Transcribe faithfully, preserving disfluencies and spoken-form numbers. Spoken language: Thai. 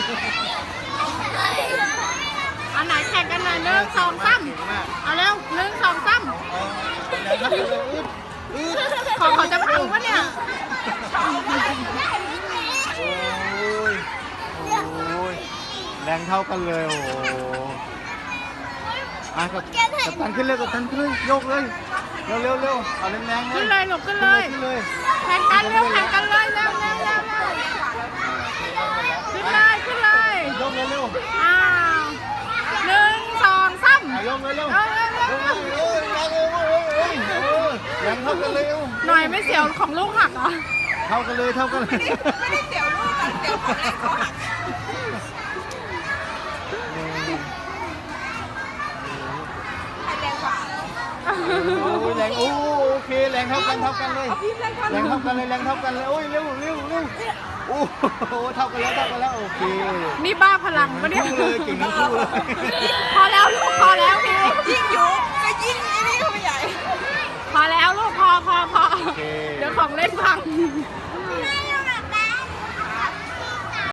อันไหนแข่งกันหน่อยหนึ่งสองสามเอาเร็วหนึ่งสองสามของเขาจะพังปะเนี่ยแรงเท่ากันเลยโอ้โหอ่ะกับกับตันขึ้นเลยกับตันขึ้นเลยโยกเลยเร็วเร็วเร็วเอาแรงแรงเลยขึ้นเลยหลบขึ้นเลยขึ้นเลยแข่งกันเร็วแข่งกันเลยเร็วเร็วเร็วขึ้นเลยขึ้นเลยโยกเร็วเร็วอ้าวหนึ่งสองสามโยกเร็วเร็วเร็วเร็วเร็วเร็วแรงเท่ากันเลยหน่อยไม่เสียวของลูกหักเหรอเท่ากันเลยเท่ากันเลยไม่ได้เสียวลูกกันเสียวของเล่นเขาหัก ใครแรงกว่าโอ้ยแรงโอ้โอเคแรงเท่ากันเท่ากันเลยแรงเท่ากันเลยแรงเท่ากันเลยโอ้ยเร็วเร็วเร็วโอ้โหเท่ากันแล้วเท่ากันแล้วโอเคนี่บ้าพลังปะเนี่ยคู่เลยเก่งทั้งคู่เลยพอแล้วลูกพอแล้วพี่ยิ่งยุบก็ยิ่งไอ้นี่เข้าไปใหญ่พอแล้วลูกพอพอพอโอเคเดี๋ยวของเล่นพังโ